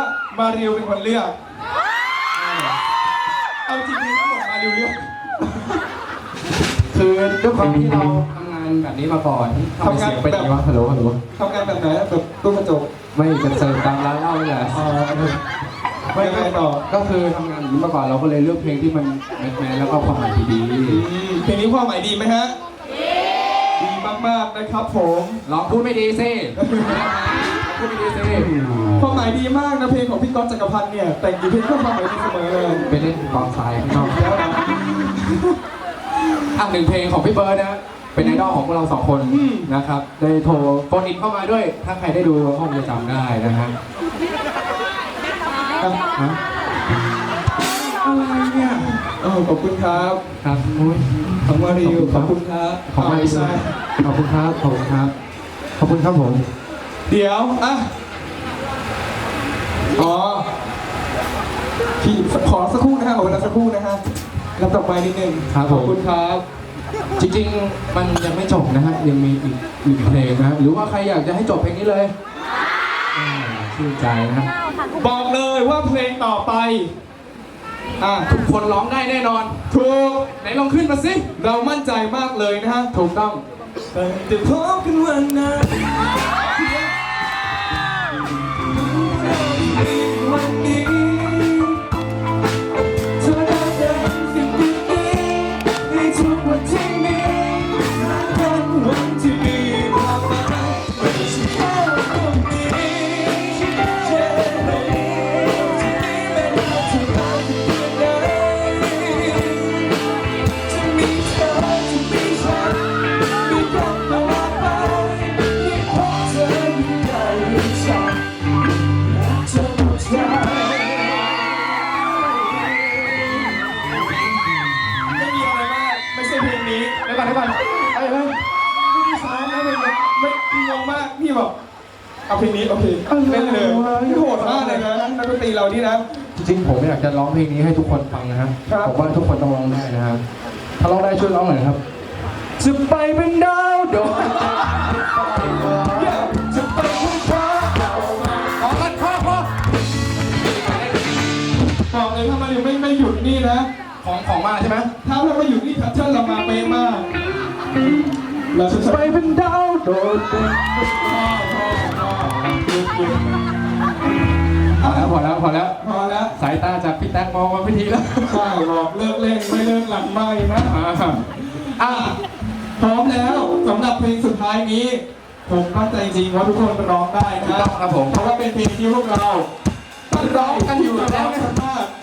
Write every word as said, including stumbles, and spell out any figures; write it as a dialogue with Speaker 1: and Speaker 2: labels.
Speaker 1: มาริวเป็นคนเลือกเอาจริงๆทั้งหมดมาริวเลือก
Speaker 2: คือด้วยความที่เราทำงานแบบนี้มาก่อนทำเสียงเป็นยังไงวะฮัลโหลฮัลโหล
Speaker 1: ทำงานแบบไหนแบบตู้กระจก
Speaker 2: ไม่จะเซิร์ฟตามร้านเหล้านี่แหละ
Speaker 1: ไม่ไงต่อ
Speaker 2: ก็คือทำงานแบบนี้มาก่อนเราก็เลยเลือกเพลงที่มันแมสแมสแล้วก็ความหมายดี
Speaker 1: ๆเพลงนี้ความหมายดีไหมฮะดีมากๆนะครับผม
Speaker 2: ลองพูดไม่ดีสิพูดไม่ดีสิ
Speaker 1: ความหมายดีมากนะเพลงของพี่ก๊อตจักรพันธ์เนี่ยแต่งอยู่เพลงก็ความหมายดีเสมอเลย
Speaker 2: ไปเล่นกองทรายข้างนอกแล้วนะอ่ะหนึ่งเพลงของพี่เบิร์ดนะเป็นไอดอลของพวกเราสองคนนะครับได้โทรโฟนอินเข้ามาด้วยถ้าใครได้ดูห้องจะจำได้นะฮะ
Speaker 1: อะไรเนี่ยโอ้ขอบคุณครับ
Speaker 2: ครับมุ้ย
Speaker 1: ของมาริวขอบคุณครับ
Speaker 2: ของมาริวขอบคุณครับขอบคุณครับขอบคุณครับผม
Speaker 1: เดี๋ยวอ่ะอ๋อพี่ขอสักครู่นะฮะขอเวลาสักครู่นะฮะรับต่อไปนิดนึงขอบคุณครับ
Speaker 2: จริงๆมันยังไม่จบนะฮะยังมีอีกอีกเพลงนะหรือว่าใครอยากจะให้จบเพลงนี้เลยชื่นใจนะ
Speaker 1: บอกเลยว่าเพลงต่อไป
Speaker 2: อ่ะทุกคนร้องได้แน่นอน
Speaker 1: ถูก
Speaker 2: ไหนลองขึ้นมาสิ
Speaker 1: เรามั่นใจมากเลยนะฮะ
Speaker 2: ถูกต้อง
Speaker 1: แต่พบกันวันนั้นวันนี้เธอได้เดินสิ่งดีๆในทุกวันที่มีเป็นวันที่มีความหมายไม่ใช่แค่ตรงนี้แค่ในที่นี้ไม่ว่าจะนานเพียงใดจะมีเธอจะมีฉันมีกันตลอดไปที่พบเธออยู่ในฉันเธอหมดใจไม่มีอะไรมากไม่ใช่เพลงนี้
Speaker 2: ได้ป่ะได้ป่ะไอ้เฮ้ย
Speaker 1: ไม่ได้ซ้ายนะเพลงนี้ไม่งงมากพี่บอกเอาเพลงนี้โอเคเล่นเลยพี่โหดมากเลยนะนักดนตรีเรานี่นะ
Speaker 2: จริงๆผมอยากจะร้องเพลงนี้ให้ทุกคนฟังนะฮะผมว่าทุกคนต้องร้องได้นะฮะถ้าร้องได้ช่วยร้องหน่อยครับจะไปเป็นดาวโดด
Speaker 1: จะไปค้นคว้า
Speaker 2: ออกกันพ่อพ่อ
Speaker 1: บอกเลยถ้ามาอยู่ไม่ไม่หยุดนี่นะ
Speaker 2: ของของมาใช่ไหม
Speaker 1: ถ้าเราไม่หยุดนี่ทัชเชอร์เรามาเป๊ะมากเราจะ
Speaker 2: ไปเป็นดาวโดดพอแล้วพอแล้วพอแล้ว
Speaker 1: พอแล้ว
Speaker 2: สายตาจากพี่แท็กมองมาพิธีแล้ว
Speaker 1: ใช่บอกเลิกเล่นไม่เลิกหลังไม่นะอ่ะพร้อมแล้วสำหรับเพลงสุดท้ายนี้ผมมั่นใจจริงว่าทุกคนร้องได้นะครับ
Speaker 2: ผม
Speaker 1: เพราะว่าเป็นเพลงที่พวกเราร้องกันอยู่แล้วนะครับ